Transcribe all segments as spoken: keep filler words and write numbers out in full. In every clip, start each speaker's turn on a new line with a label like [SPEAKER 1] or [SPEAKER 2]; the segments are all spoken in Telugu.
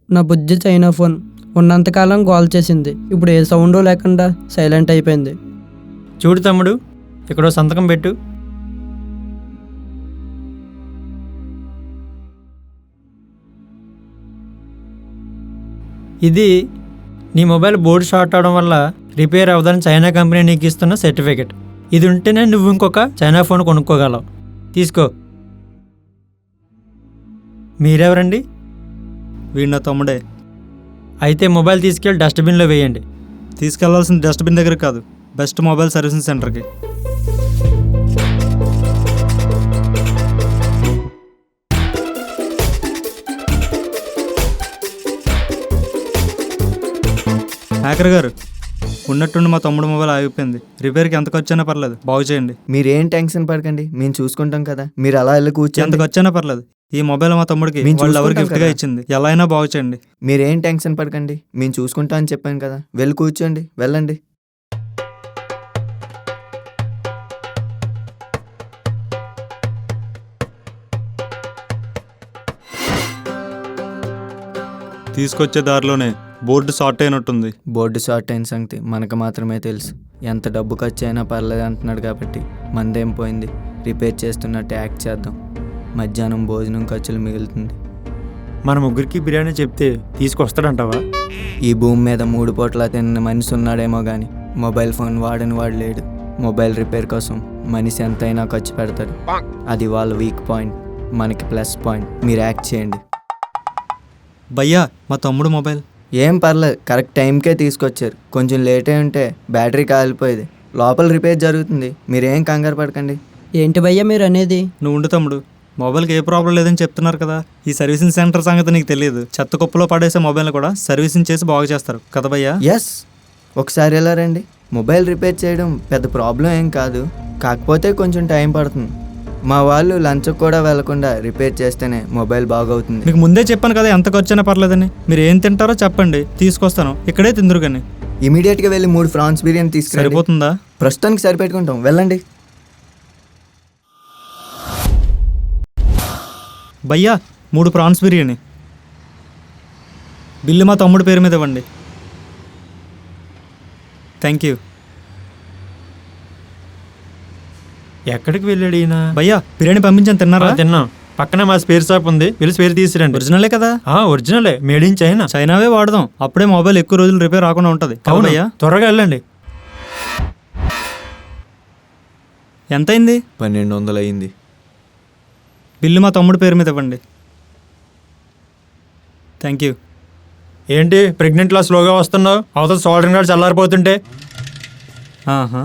[SPEAKER 1] నా బుజ్జి చైనా ఫోన్ ఉన్నంతకాలం కాల్ చేసింది, ఇప్పుడు ఏ సౌండు లేకుండా సైలెంట్ అయిపోయింది.
[SPEAKER 2] చూడు తమ్ముడు, ఇక్కడ సంతకం పెట్టు. ఇది నీ మొబైల్ బోర్డు షార్ట్ అవడం వల్ల రిపేర్ అవ్వదని చైనా కంపెనీ నీకు ఇస్తున్న సర్టిఫికెట్. ఇది ఉంటేనే నువ్వు ఇంకొక చైనా ఫోన్ కొనుక్కోగలవు. తీసుకో. మీరెవరండి?
[SPEAKER 3] వీడు నా తమ్ముడే.
[SPEAKER 2] అయితే మొబైల్ తీసుకెళ్ళి డస్ట్బిన్లో వేయండి.
[SPEAKER 3] తీసుకెళ్లాల్సిన డస్ట్బిన్ దగ్గర కాదు, బెస్ట్ మొబైల్ సర్వీసింగ్ సెంటర్కి. హ్యాకర్ గారు, ఉన్నట్టుండి మా తమ్ముడు మొబైల్ ఆగిపోయింది. రిపేర్కి ఎంత ఖర్చు అయినా పర్లేదు, బాగు చేయండి.
[SPEAKER 4] మీరేం టెన్షన్ పడకండి, మేము చూసుకుంటాం కదా. మీరు అలా వెళ్ళి
[SPEAKER 3] ఎంత
[SPEAKER 4] కూర్చోండి.
[SPEAKER 3] ఖర్చు అయినా పర్లేదు. ఈ మొబైల్ మా తమ్ముడికి
[SPEAKER 4] మేము
[SPEAKER 3] వాళ్ళు ఎవరు
[SPEAKER 4] చూసుకుంటాం
[SPEAKER 3] గిఫ్ట్గా
[SPEAKER 4] కదా.
[SPEAKER 3] ఇచ్చింది. ఎలా అయినా బాగు చేయండి.
[SPEAKER 4] మీరేం టెన్షన్ పడకండి, మేము చూసుకుంటాం అని చెప్పాను కదా. వెళ్ళి కూర్చోండి, వెళ్ళండి.
[SPEAKER 3] తీసుకొచ్చే దారిలోనే బోర్డు షార్ట్ అయినట్టుంది.
[SPEAKER 4] బోర్డు షార్ట్ అయిన సంగతి మనకు మాత్రమే తెలుసు. ఎంత డబ్బు ఖర్చు అయినా పర్లేదు అంటున్నాడు కాబట్టి మందేం పోయింది. రిపేర్ చేస్తున్నట్టు యాక్ట్ చేద్దాం. మధ్యాహ్నం భోజనం ఖర్చులు మిగులుతుంది.
[SPEAKER 2] మన ముగ్గురికి బిర్యానీ చెప్తే తీసుకొస్తాడంటావా?
[SPEAKER 4] ఈ భూమి మీద మూడు పూట్ల తిన్న మనిషి ఉన్నాడేమో కానీ మొబైల్ ఫోన్ వాడని వాడు లేడు. మొబైల్ రిపేర్ కోసం మనిషి ఎంతైనా ఖర్చు పెడతాడు. అది వాళ్ళ వీక్ పాయింట్, మనకి ప్లస్ పాయింట్. మీరు యాక్ట్ చేయండి.
[SPEAKER 3] భయ్యా, మా తమ్ముడు మొబైల్.
[SPEAKER 4] ఏం పర్లేదు, కరెక్ట్ టైంకే తీసుకొచ్చారు. కొంచెం లేట్ అయి ఉంటే బ్యాటరీ కాలిపోయేది. లోపల రిపేర్ జరుగుతుంది, మీరేం కంగారు పడకండి.
[SPEAKER 1] ఏంటి భయ్యా మీరు అనేది?
[SPEAKER 3] నువ్వు ఉండు తమ్ముడు, మొబైల్కి ఏ ప్రాబ్లం లేదని చెప్తున్నారు కదా. ఈ సర్వీసింగ్ సెంటర్ సంగతి నీకు తెలియదు. చెత్త కుప్పలో పడేసే మొబైల్ కూడా సర్వీసింగ్ చేసి బాగు చేస్తారు కదా భయ్యా.
[SPEAKER 4] ఎస్, ఒకసారి ఎలా రండి. మొబైల్ రిపేర్ చేయడం పెద్ద ప్రాబ్లం ఏం కాదు, కాకపోతే కొంచెం టైం పడుతుంది. మా వాళ్ళు లంచ్కి కూడా వెళ్లకుండా రిపేర్ చేస్తేనే మొబైల్ బాగవుతుంది.
[SPEAKER 3] మీకు ముందే చెప్పాను కదా ఎంత ఖర్చు అయినా పర్లేదని. మీరు ఏం తింటారో చెప్పండి, తీసుకొస్తాను. ఇక్కడే తిందురు కానీ.
[SPEAKER 4] ఇమీడియట్గా వెళ్ళి మూడు ఫ్రాన్స్ బిర్యానీ తీసుకుని
[SPEAKER 3] సరిపోతుందా?
[SPEAKER 4] ప్రస్తుతానికి సరిపెట్టుకుంటాం, వెళ్ళండి.
[SPEAKER 3] భయ్యా, మూడు ప్రాన్స్ బిర్యానీ. బిల్లు మా తమ్ముడు పేరు మీద ఇవ్వండి. Thank you.
[SPEAKER 2] ఎక్కడికి వెళ్ళాడు ఈయన?
[SPEAKER 3] భయ్యా, బిర్యానీ పంపించాను, తిన్నారా?
[SPEAKER 2] ఆ, తిన్నాం. పక్కనే మా స్పేర్ షాప్ ఉంది, వెళ్ళి స్పేర్ తీసుకురండి.
[SPEAKER 3] ఒరిజినలే కదా?
[SPEAKER 2] ఆ, ఒరిజినలే, మేడ్ ఇన్ చైనా.
[SPEAKER 3] చైనావే వాడదాం, అప్పుడే మొబైల్ ఎక్కువ రోజులు రిపేర్ రాకుండా ఉంటుంది.
[SPEAKER 2] అవును,
[SPEAKER 3] భయ్యా,
[SPEAKER 2] త్వరగా వెళ్ళండి.
[SPEAKER 3] ఎంతైంది?
[SPEAKER 4] పన్నెండు వందలు అయింది.
[SPEAKER 3] బిల్లు మా తమ్ముడు పేరు మీద ఇవ్వండి. Thank you.
[SPEAKER 2] ఏంటి ప్రెగ్నెంట్లా స్లోగా వస్తున్నావు? అవతల సోల్డరింగ్ గార్డ్ చల్లారిపోతుంటే.
[SPEAKER 3] ఆహా.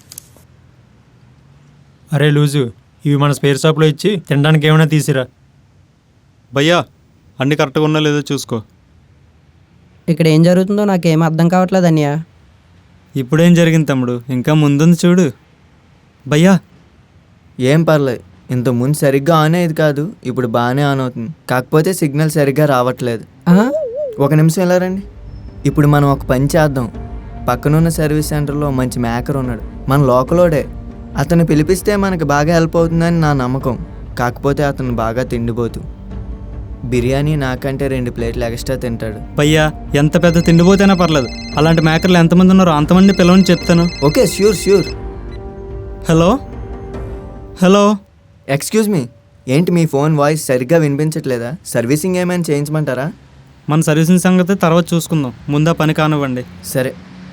[SPEAKER 2] అరే లూజు, ఇవి మన స్పేర్ షాప్లో ఇచ్చి తినడానికి ఏమైనా తీసిరా.
[SPEAKER 3] భయ్యా, అన్ని కరెక్ట్గా ఉన్నా లేదో చూసుకో.
[SPEAKER 1] ఇక్కడ ఏం జరుగుతుందో నాకేం అర్థం కావట్లేదు అన్నయ్య.
[SPEAKER 3] ఇప్పుడేం జరిగింది తమ్ముడు? ఇంకా ముందుంది చూడు. భయ్యా,
[SPEAKER 4] ఏం పర్లేదు, ఇంత ముందు సరిగ్గా ఆన్ అయ్యేది కాదు, ఇప్పుడు బాగానే ఆన్ అవుతుంది. కాకపోతే సిగ్నల్ సరిగ్గా రావట్లేదు.
[SPEAKER 1] ఆ?
[SPEAKER 4] ఒక నిమిషం ఎలా రండి. ఇప్పుడు మనం ఒక పని చేద్దాం. పక్కనున్న సర్వీస్ సెంటర్లో మంచి మేకర్ ఉన్నాడు, మన లోకలోడే. అతను పిలిపిస్తే మనకు బాగా హెల్ప్ అవుతుందని నా నమ్మకం. కాకపోతే అతను బాగా తిండిపోతూ, బిర్యానీ నాకంటే రెండు ప్లేట్లు ఎక్స్ట్రా తింటాడు.
[SPEAKER 3] భయ్యా, ఎంత పెద్ద తిండిపోతేనా పర్లేదు, అలాంటి మేకర్లు ఎంతమంది ఉన్నారో అంతమంది పిలవని చెప్తాను.
[SPEAKER 4] Okay, sure sure.
[SPEAKER 3] Hello hello
[SPEAKER 4] excuse me, ఏంటి మీ ఫోన్ వాయిస్ సరిగ్గా వినిపించట్లేదా? సర్వీసింగ్ ఏమైనా చేయించమంటారా?
[SPEAKER 3] మన సర్వీసింగ్ సంగతి తర్వాత చూసుకుందాం, ముందా పని కానివ్వండి.
[SPEAKER 4] సరే.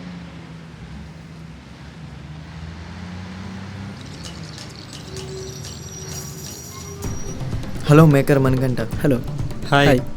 [SPEAKER 4] Hello maker Manikanta.
[SPEAKER 1] Hello.
[SPEAKER 3] Hi.
[SPEAKER 1] Hi.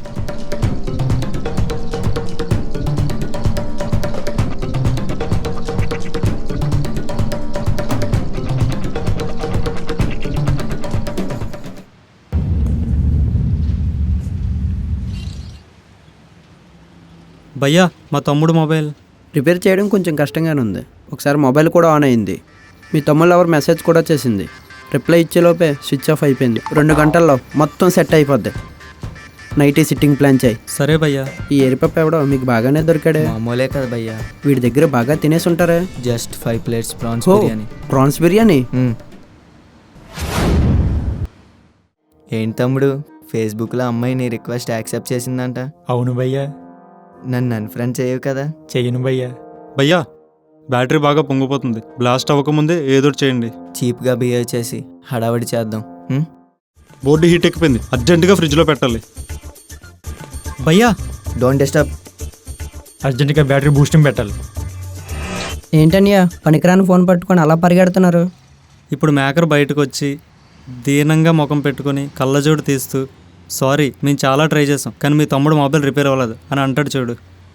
[SPEAKER 3] భయ్యా, మా తమ్ముడు మొబైల్
[SPEAKER 1] రిపేర్ చేయడం కొంచెం కష్టంగానే ఉంది. ఒకసారి మొబైల్ కూడా ఆన్ అయింది. మీ తమ్ముళ్ళు ఎవరు మెసేజ్ కూడా చేసింది. రిప్లై ఇచ్చేలోపే స్విచ్ ఆఫ్ అయిపోయింది. రెండు గంటల్లో మొత్తం సెట్ అయిపోద్ది. నైటీ సిట్టింగ్ ప్లాన్ చేయి.
[SPEAKER 3] సరే భయ్యా.
[SPEAKER 1] ఈ ఎరిపప్ప ఎవడో మీకు బాగానే దొరికాడే.
[SPEAKER 4] మామూలే కదా భయ్యా,
[SPEAKER 1] వీడి దగ్గర బాగా తినేసి ఉంటారే.
[SPEAKER 4] జస్ట్ ఫైవ్ ప్లేట్స్ ప్రాన్స్
[SPEAKER 1] ఓ,
[SPEAKER 4] బిర్యానీ.
[SPEAKER 1] ప్రాన్స్ బిర్యానీ.
[SPEAKER 4] మ్మ్. ఏంటి తమ్ముడు, ఫేస్బుక్లో అమ్మాయి నీ రిక్వెస్ట్ యాక్సెప్ట్ చేసిందంట.
[SPEAKER 2] అవును భయ్యా.
[SPEAKER 4] నన్ను అన్ఫ్రెండ్ చేయవు కదా?
[SPEAKER 2] చెయ్యను భయ్యా.
[SPEAKER 3] భయ్యా బ్యాటరీ బాగా పొంగిపోతుంది, బ్లాస్ట్ అవ్వకముందే ఏదో ఒకటి చేయండి.
[SPEAKER 4] చీప్గా బిహేవ్ చేసి హడావడి చేద్దాం. ఉం?
[SPEAKER 3] బోర్డు హీట్ ఎక్కిపోయింది, అర్జెంటుగా ఫ్రిడ్జ్లో పెట్టాలి. భయ్యా
[SPEAKER 4] డోంట్ డిస్టర్బ్.
[SPEAKER 2] అర్జెంటుగా బ్యాటరీ బూస్టింగ్ పెట్టాలి.
[SPEAKER 1] ఏంటన్నయ్య పనికిరాని ఫోన్ పట్టుకొని అలా పరిగెడుతున్నారు?
[SPEAKER 3] ఇప్పుడు మేకర్ బయటకు వచ్చి దీనంగా ముఖం పెట్టుకొని కళ్ళజోడు తీస్తూ సారీ మేము చాలా ట్రై చేసాం కానీ మీ తమ్ముడు మొబైల్ రిపేర్ అవ్వలేదు అని అంటాడు చూడు.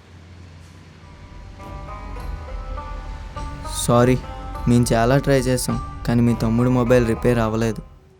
[SPEAKER 4] సారీ, మేము చాలా ట్రై చేసాం కానీ మీ తమ్ముడు మొబైల్ రిపేర్ అవ్వలేదు.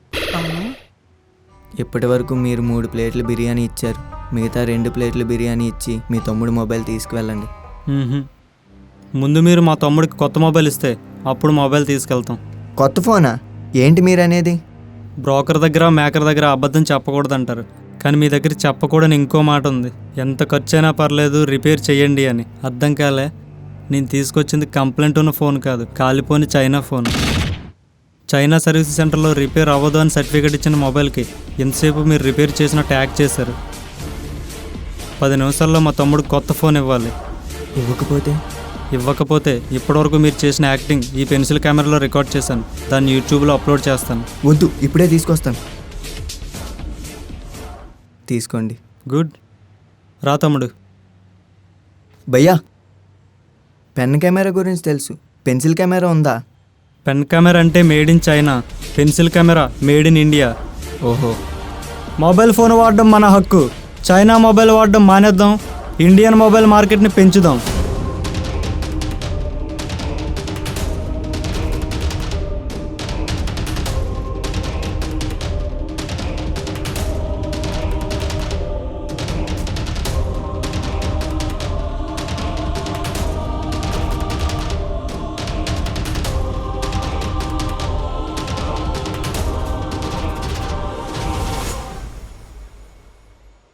[SPEAKER 4] ఇప్పటి వరకు మీరు మూడు ప్లేట్లు బిర్యానీ ఇచ్చారు, మిగతా రెండు ప్లేట్లు బిర్యానీ ఇచ్చి మీ తమ్ముడు మొబైల్ తీసుకువెళ్ళండి.
[SPEAKER 3] మ్మ్హ. ముందు మీరు మా తమ్ముడికి కొత్త మొబైల్ ఇస్తే అప్పుడు మొబైల్ తీసుకెళ్తాం.
[SPEAKER 4] కొత్త ఫోనా? ఏంటి మీరు అనేది?
[SPEAKER 3] బ్రోకర్ దగ్గర మేకర్ దగ్గర అబద్ధం చెప్పకూడదు అంటారు, కానీ మీ దగ్గర చెప్పకూడని ఇంకో మాట ఉంది, ఎంత ఖర్చు అయినా పర్లేదు రిపేర్ చేయండి అని. అర్థం కాలే? నేను తీసుకొచ్చింది కంప్లైంట్ ఉన్న ఫోన్ కాదు, కాలిపోని చైనా ఫోన్. చైనా సర్వీస్ సెంటర్లో రిపేర్ అవ్వదు అని సర్టిఫికేట్ ఇచ్చిన మొబైల్కి ఎంతసేపు మీరు రిపేర్ చేసిన ట్యాగ్ చేశారు. పది నిమిషాల్లో మా తమ్ముడు కొత్త ఫోన్ ఇవ్వాలి.
[SPEAKER 4] ఇవ్వకపోతే?
[SPEAKER 3] ఇవ్వకపోతే ఇప్పటివరకు మీరు చేసిన యాక్టింగ్ ఈ పెన్సిల్ కెమెరాలో రికార్డ్ చేశాను, దాన్ని యూట్యూబ్లో అప్లోడ్ చేస్తాను.
[SPEAKER 4] వద్దు, ఇప్పుడే తీసుకొస్తాను. తీసుకోండి.
[SPEAKER 3] గుడ్. రా తమ్ముడు.
[SPEAKER 4] భయ్యా, పెన్ కెమెరా గురించి తెలుసు, పెన్సిల్ కెమెరా ఉందా?
[SPEAKER 3] పెన్ కెమెరా అంటే made in China, pencil camera made in India.
[SPEAKER 4] ఓహో.
[SPEAKER 3] మొబైల్ ఫోన్ వాడడం మన హక్కు, చైనా మొబైల్ వాడడం మానేద్దాం, ఇండియన్ మొబైల్ మార్కెట్ని పెంచుదాం.